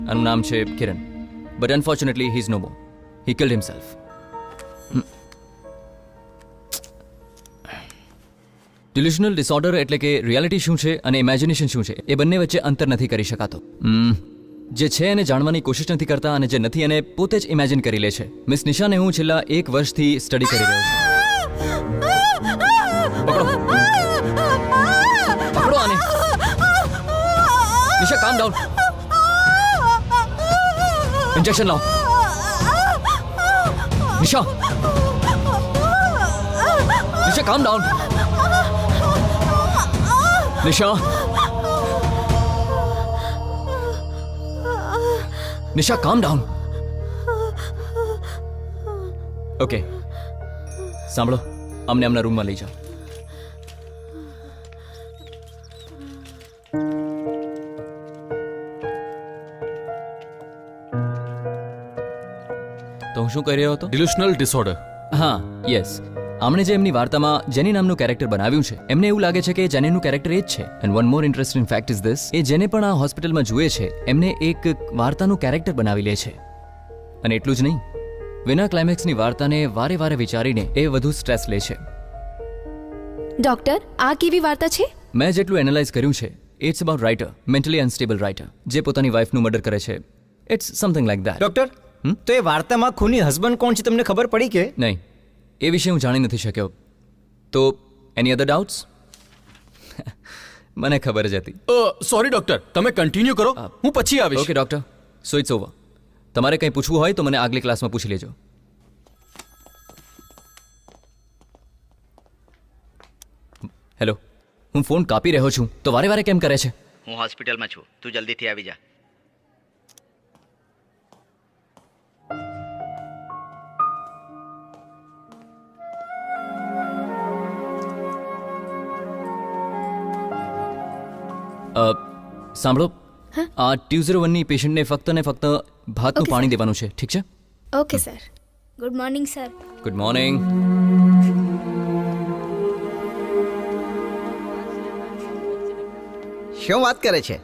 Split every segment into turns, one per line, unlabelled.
આનું નામ છે Kiran, but unfortunately he is no more. He killed himself. Delusional disorder એટલે કે રિયાલિટી શું છે અને ઇમેજિનેશન શું છે એ બંને વચ્ચે અંતર નથી કરી શકાતો. જે છે એને જાણવાની કોશિશ નથી કરતા અને જે નથી એને પોતે જ ઇમેજિન કરી લે છે. મિસ નિશાને હું છેલ્લા 1 વર્ષથી સ્ટડી કરી રહ્યો છું. પકડો પકડો આને. નિશા કામ ડાઉન. ઇન્જેક્શન લાવો. નિશા નિશા કામ ડાઉન. નિશા નિશા કામ ડાઉન. ઓકે સાંભળો, અમને અમના રૂમમાં લઈ જાઓ. તો હું શું કહી રહ્યો હતો?
Delusional disorder.
હા, યસ. આમણે જે એમની વાર્તામાં જેની નામનું કેરેક્ટર બનાવ્યું છે, એમને એવું લાગે છે કે જેનીનું કેરેક્ટર એ જ છે. And one more interesting fact is this, એ જેને પણ આ હોસ્પિટલમાં જુએ છે એમને એક વાર્તાનું કેરેક્ટર બનાવી લે છે. અને એટલું જ નહીં, વિના ક્લાઇમેક્સની વાર્તાને વારે વારે વિચારીને એ વધુ સ્ટ્રેસ લે છે.
ડોક્ટર, આ કેવી વાર્તા છે?
મેં જેટલું એનાલાઇઝ કર્યું છે, it's about writer, mentally unstable writer, જે પોતાની વાઇફનું મર્ડર કરે છે. It's something like that.
Doctor, તો એ વાર્તામાં ખૂની હસબન્ડ કોણ છે તમને ખબર પડી કે
નહીં? એ વિશે હું જાણી નથી શક્યો. તો એની અધર ડાઉટ્સ? મને ખબર જ હતી.
સોરી ડોક્ટર, તમે કન્ટિન્યુ કરો, હું પછી આવીશ.
Okay doctor, so it's over. તમારે કંઈ પૂછવું હોય તો મને આગલી ક્લાસમાં પૂછી લેજો. હેલો, હું ફોન કાપી રહ્યો છું તો વારે વારે કેમ કરે છે?
હું હોસ્પિટલમાં છું, તું જલ્દીથી આવી જા.
સાંભળો, આ 201ની પેશન્ટને ફક્ત ને ફક્ત ભાતનું
Okay,
પાણી
sir.
દેવાનું છે, ઠીક છે?
Okay sir. Good morning sir.
Good morning.
શું વાત કરે છે?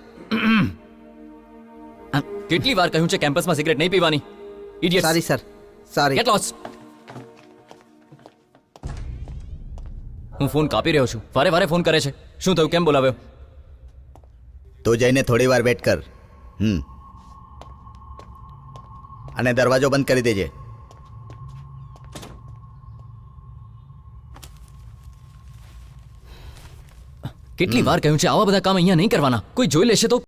કેટલી વાર કહ્યું છે કેમ્પસમાં સિગરેટ નહીં પીવાની? ઇડિયટ્સ.
સારી સર, સારી.
Gate lost. હું ફોન કાપી રહ્યો છું, વારે વારે ફોન કરે છે. શું થયું, કેમ બોલાવ્યો?
તો જઈને થોડી વાર વેટ કર. અને દરવાજો બંધ કરી દેજે.
કેટલી વાર કહ્યું છે આવા બધા કામ અહીંયા નહીં કરવાના, કોઈ જોઈ લેશે તો?